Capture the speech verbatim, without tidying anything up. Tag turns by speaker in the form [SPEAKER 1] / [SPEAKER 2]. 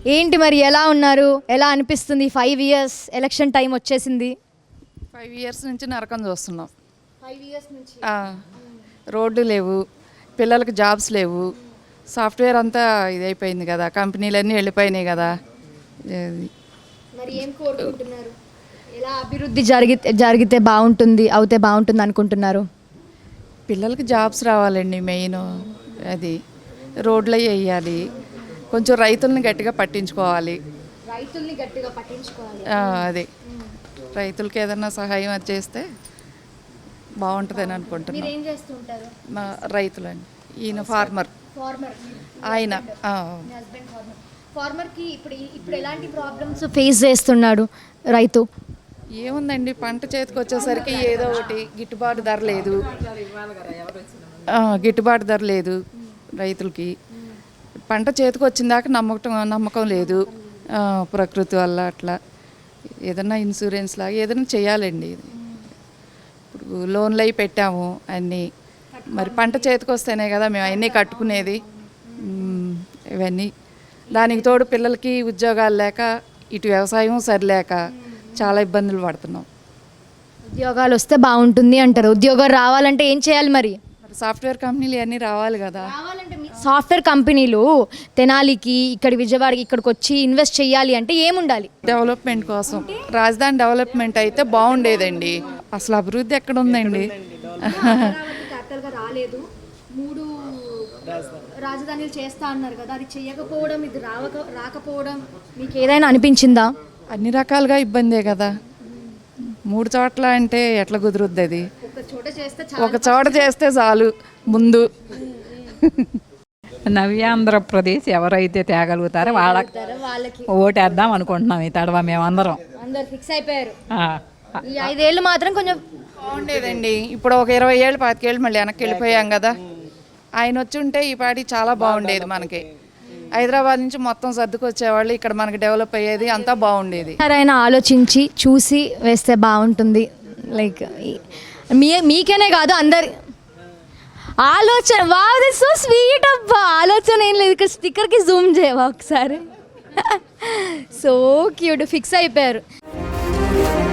[SPEAKER 1] ఏంటి మరి ఎలా ఉన్నారు, ఎలా అనిపిస్తుంది? ఫైవ్ ఇయర్స్ ఎలక్షన్ టైం వచ్చేసింది.
[SPEAKER 2] ఫైవ్ ఇయర్స్ నుంచి నరకం చూస్తున్నాం.
[SPEAKER 1] ఫైవ్ ఇయర్స్ నుంచి
[SPEAKER 2] రోడ్లు లేవు, పిల్లలకి జాబ్స్ లేవు, సాఫ్ట్వేర్ అంతా ఇదైపోయింది కదా, కంపెనీలన్నీ వెళ్ళిపోయినాయి కదా.
[SPEAKER 1] మరి ఏం కోరుకుంటున్నారు? ఎలా అభివృద్ధి జరిగి జరిగితే బాగుంటుంది, అవుతే బాగుంటుంది అనుకుంటున్నారు?
[SPEAKER 2] పిల్లలకి జాబ్స్ రావాలండి మెయిన్. అది రోడ్లు వేయాలి, కొంచెం రైతుల్ని గట్టిగా పట్టించుకోవాలి.
[SPEAKER 1] రైతుల్ని గట్టిగా పట్టించుకోవాలి.
[SPEAKER 2] అదే రైతులకి ఏదన్నా సహాయం అది చేస్తే బాగుంటుందని అనుకుంటున్నాను.
[SPEAKER 1] ఏం చేస్తుంటారు?
[SPEAKER 2] మా రైతులండి, ఈయన ఫార్మర్.
[SPEAKER 1] ఫార్మర్
[SPEAKER 2] ఆయన
[SPEAKER 1] హస్బెండ్ ఫార్మర్. ఫార్మర్కి ఇప్పుడు ఇప్పుడు ఎలాంటి ప్రాబ్లమ్స్ ఫేస్ చేస్తున్నాడు రైతు?
[SPEAKER 2] ఏముందండి, పంట చేతికి వచ్చేసరికి ఏదో ఒకటి గిట్టుబాటు ధర లేదు, గిట్టుబాటు ధర లేదు రైతులకి. పంట చేతికి వచ్చిన దాకా నమ్మకం నమ్మకం లేదు. ప్రకృతి వల్ల అట్లా ఏదైనా ఇన్సూరెన్స్ లాగా ఏదైనా చేయాలండి. ఇప్పుడు లోన్లు అవి పెట్టాము అన్నీ, మరి పంట చేతికి వస్తేనే కదా మేము అవన్నీ కట్టుకునేది. ఇవన్నీ దానికి తోడు పిల్లలకి ఉద్యోగాలు లేక, ఇటు వ్యవసాయం సరిలేక చాలా ఇబ్బందులు పడుతున్నాం.
[SPEAKER 1] ఉద్యోగాలు వస్తే బాగుంటుంది అంటారు. ఉద్యోగాలు రావాలంటే ఏం చేయాలి మరి?
[SPEAKER 2] మరి సాఫ్ట్వేర్ కంపెనీలు అన్నీ రావాలి కదా.
[SPEAKER 1] సాఫ్ట్వేర్ కంపెనీలు తెనాలికి, ఇక్కడ విజయవాడకి ఇక్కడికి వచ్చి ఇన్వెస్ట్ చేయాలి అంటే ఏముండాలి?
[SPEAKER 2] డెవలప్మెంట్ కోసం రాజధాని డెవలప్మెంట్ అయితే బాగుండేదండి. అసలు అభివృద్ధి ఎక్కడ ఉందండి?
[SPEAKER 1] రాలేదు, మూడు రాజధానులు చేస్తా అన్నారు కదా, అది చేయకపోవడం, ఇది రావక రాకపోవడం మీకు ఏదైనా అనిపించిందా?
[SPEAKER 2] అన్ని రకాలుగా ఇబ్బందే కదా. మూడు చోట్ల అంటే ఎట్లా కుదురుద్ది? అది ఒక చోట చేస్తే చాలు ముందు.
[SPEAKER 3] నవ్యాంధ్రప్రదేశ్ ఎవరైతే తేగలుగుతారో వాళ్ళకి ఓటేద్దాం అనుకుంటున్నాం. ఈ తడవ మేమందరం
[SPEAKER 1] అందరు ఫిక్స్ అయిపోయారు. ఈ ఐదేళ్ళు మాత్రం కొంచెం
[SPEAKER 2] బాగుండేదండి. ఇప్పుడు ఒక ఇరవై ఏళ్ళు పాతికేళ్ళు మళ్ళీ వెనక్కి వెళ్ళిపోయాం కదా. ఆయన వచ్చి ఉంటే ఈ పాటి చాలా బాగుండేది. మనకి హైదరాబాద్ నుంచి మొత్తం సర్దుకొచ్చేవాళ్ళు, ఇక్కడ మనకి డెవలప్ అయ్యేది, అంతా బాగుండేది.
[SPEAKER 1] ఎవరైనా ఆలోచించి చూసి వేస్తే బాగుంటుంది. లైక్ మీ మీకేనే కాదు అందరి ఆలోచన. వావ్, దిస్ సో స్వీట్ అబ్బా. ఆలోచన ఏం లేదు, ఇక్కడ స్టిక్కర్కి జూమ్ చేయవా ఒకసారి? సో క్యూట్, ఫిక్స్ అయిపోయారు.